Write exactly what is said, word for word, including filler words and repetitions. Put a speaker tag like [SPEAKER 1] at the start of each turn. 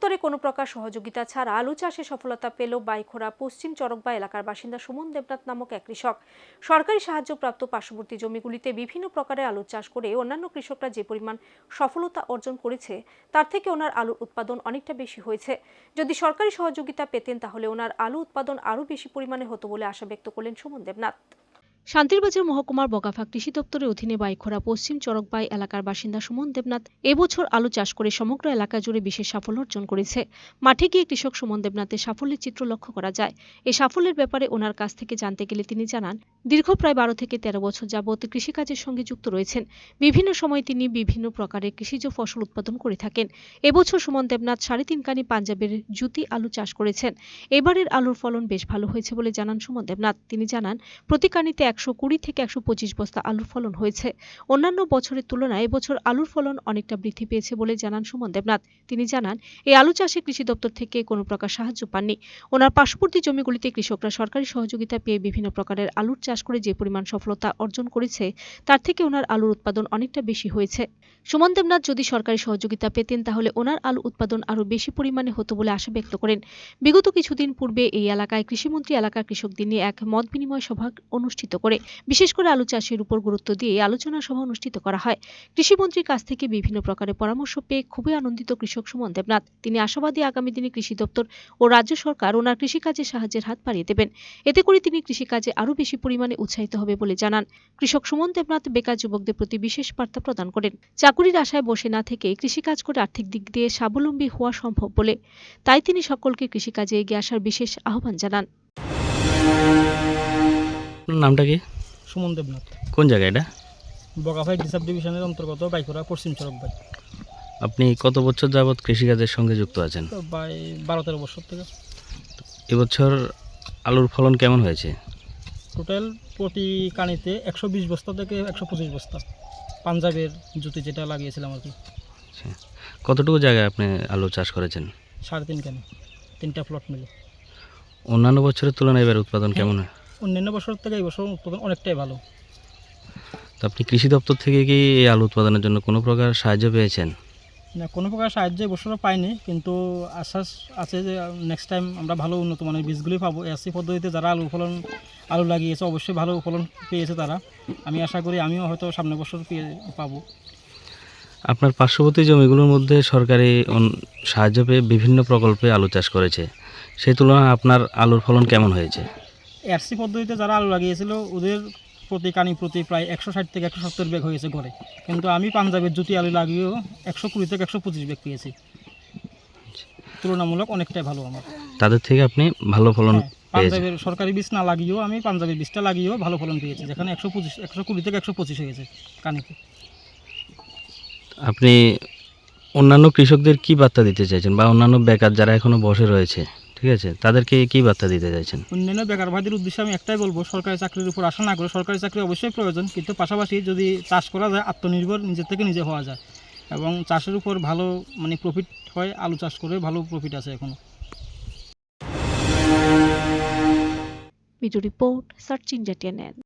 [SPEAKER 1] দপ্তরে কোনো প্রকার সহযোগিতা ছাড়া আলু চাষে সফলতা পেল বাইখোরা পশ্চিম চরকবা এলাকার বাসিন্দা সুমন দেবনাথ নামক এক কৃষক। সরকারি সাহায্যপ্রাপ্ত পার্শ্ববর্তী জমিগুলিতে বিভিন্ন প্রকারের আলু চাষ করে অন্যান্য কৃষকরা যে পরিমাণ সফলতা অর্জন করেছে তার থেকে ওনার আলুর উৎপাদন অনেকটা বেশি হয়েছে। যদি সরকারি সহযোগিতা পেতেন তাহলে ওনার আলু উৎপাদন আরও বেশি পরিমাণে হতো বলে আশা ব্যক্ত করলেন সুমন দেবনাথ। শান্তিরবাজার মহকুমার বগাফা কৃষি দপ্তরের অধীনে বাইখোরা পশ্চিম চরকবাই এলাকার বাসিন্দা সুমন দেবনাথ এবছর আলু চাষ করে সমগ্র এলাকা জুড়ে বিশেষ সাফল্য অর্জন করেছে। মাঠে গিয়ে কৃষক সুমন দেবনাথের সাফল্যের চিত্র লক্ষ্য করা যায়। এই সাফল্যের ব্যাপারে ওনার কাছ থেকে জানতে গেলে তিনি জানান, দীর্ঘ প্রায় বারো থেকে তেরো বছর যাবৎ কৃষিকাজের সঙ্গে যুক্ত রয়েছেন। বিভিন্ন সময় তিনি বিভিন্ন প্রকারের কৃষিজ ফসল উৎপাদন করে থাকেন। এবছর সুমন দেবনাথ সাড়ে তিন কানি পাঞ্জাবের জ্যোতি আলু চাষ করেছেন। এবারের আলুর ফলন বেশ ভালো হয়েছে বলে জানান সুমন দেবনাথ। তিনি জানান, প্রতি কানিতে একশো কুড়ি থেকে একশো পঁচিশ বস্তা আলুর ফলন হয়েছে। অন্যান্য বছরের তুলনায় এবছর আলুর ফলন অনেকটা বৃদ্ধি পেয়েছে বলে জানান সুমন দেবনাথ। তিনি জানান, এই আলু চাষে কৃষি দপ্তর থেকে কোনো প্রকার সাহায্য পাননি। ওনার পার্শ্ববর্তী জমিগুলিতে কৃষকরা সরকারি সহযোগিতা পেয়ে বিভিন্ন প্রকারের আলুর চাষ করে যে পরিমাণ সফলতা অর্জন করেছে তার থেকে ওনার আলুর উৎপাদন অনেকটা বেশি হয়েছে। সুমন দেবনাথ যদি সরকারি সহযোগিতা পেতেন তাহলে ওনার আলু উৎপাদন আরও বেশি পরিমাণে হতো বলে আশা ব্যক্ত করেন। বিগত কিছুদিন পূর্বে এই এলাকায় কৃষিমন্ত্রী এলাকার কৃষকদের নিয়ে এক মত বিনিময় সভা অনুষ্ঠিত করে বিশেষ করে আলু চাষের উপর গুরুত্ব দিয়ে আলোচনা সভা অনুষ্ঠিত করা হয়। কৃষিমন্ত্রীর কাছ থেকে বিভিন্ন প্রকারের পরামর্শ পেয়ে খুবই আনন্দিত কৃষক সুমন দেবনাথ। তিনি আশাবাদী আগামী দিনে কৃষি দপ্তর ও রাজ্য সরকার ওনার কৃষিকাজে সাহায্যের হাত বাড়িয়ে দেবেন। এতে করে তিনি কৃষিকাজে আরও বেশি পরিমাণে উৎসাহিত হবে বলে জানান। কৃষক সুমন দেবনাথ বেকার যুবকদের প্রতি বিশেষ বার্তা প্রদান করেন। চাকুরির আশায় বসে না থেকে কৃষিকাজ করে আর্থিক দিক দিয়ে স্বাবলম্বী হওয়া সম্ভব বলে, তাই তিনি সকলকে কৃষিকাজে এগিয়ে আসার বিশেষ আহ্বান জানান।
[SPEAKER 2] নামটা কি?
[SPEAKER 3] সুমন দেবনাথ।
[SPEAKER 2] কোন জায়গা এটা?
[SPEAKER 3] বগাফাই ডিসাব ডিভিশনের অন্তর্গত বাইখোরা পশ্চিম চরকবাই।
[SPEAKER 2] আপনি কত বছর যাবৎ কৃষিকাজের সঙ্গে যুক্ত আছেন?
[SPEAKER 3] তো প্রায় বারো তেরো বছর থেকে।
[SPEAKER 2] এবছর আলুর ফলন কেমন হয়েছে?
[SPEAKER 3] টোটাল প্রতি কানিতে একশো বিশ বস্তা থেকে একশো পঁচিশ বস্তা পাঞ্জাবের জুতি যেটা লাগিয়েছিলাম আর কি।
[SPEAKER 2] আচ্ছা, কতটুকু জায়গায় আপনি আলু চাষ করেছেন?
[SPEAKER 3] সাড়ে তিন কানি, তিনটা প্লট মিলে।
[SPEAKER 2] অন্যান্য বছরের তুলনায় এবার উৎপাদন কেমন হয়?
[SPEAKER 3] অন্যান্য বছর থেকে এই বছর উৎপাদন অনেকটাই ভালো।
[SPEAKER 2] তো আপনি কৃষি দপ্তর থেকে কি এই আলু উৎপাদনের জন্য কোনো প্রকার সাহায্য পেয়েছেন?
[SPEAKER 3] না, কোনো প্রকার সাহায্য এবছরও পাইনি, কিন্তু আশ্বাস আছে যে নেক্সট টাইম আমরা ভালো উন্নত মানের বীজগুলি পাবো। এসি পদ্ধতিতে যারা আলু ফলন আলু লাগিয়েছে অবশ্যই ভালো ফলন পেয়েছে তারা। আমি আশা করি আমিও হয়তো সামনের বছর পেয়ে পাবো।
[SPEAKER 2] আপনার পার্শ্ববর্তী জমিগুলোর মধ্যে সরকারি সাহায্য পেয়ে বিভিন্ন প্রকল্পে আলু চাষ করেছে, সেই তুলনায় আপনার আলুর ফলন কেমন হয়েছে?
[SPEAKER 3] এসি পদ্ধতিতে যারা আলু লাগিয়েছিল ওদের প্রতি কানি প্রতি প্রায় একশো ষাট থেকে একশো সত্তর ব্যাগ হয়েছে ঘরে, কিন্তু আমি পাঞ্জাবের জ্যোতি আলু লাগিয়েও একশো কুড়ি থেকে একশো পঁচিশ ব্যাগ পেয়েছি। তুলনামূলক অনেকটাই ভালো আমার।
[SPEAKER 2] তাদের থেকে আপনি ভালো ফলন?
[SPEAKER 3] পাঞ্জাবের সরকারি বীজ না লাগিয়েও আমি পাঞ্জাবের বীজটা লাগিয়েও ভালো ফলন পেয়েছি, যেখানে একশো পঁচিশ একশো কুড়ি থেকে একশো পঁচিশ হয়েছে কানিতে।
[SPEAKER 2] আপনি অন্যান্য কৃষকদের কি বার্তা দিতে চাইছেন, বা অন্যান্য বেকার যারা এখনো বসে রয়েছে, ঠিক আছে, তাদেরকে কি বার্তা দিতে চাইছেন?
[SPEAKER 3] অন্যান্য বেকার ভাইদের উদ্দেশ্যে আমি একটাই বলবো, সরকারি চাকরির উপর আশা না করে, সরকারি চাকরি অবশ্যই প্রয়োজন, কিন্তু পাশাপাশি যদি চাষ করা যায় আত্মনির্ভর নিজের থেকে নিজে হওয়া যায় এবং চাষের উপর ভালো মানে প্রফিট হয়। আলু চাষ করে ভালো প্রফিট আছে এখনো।
[SPEAKER 1] Video report search India TNN.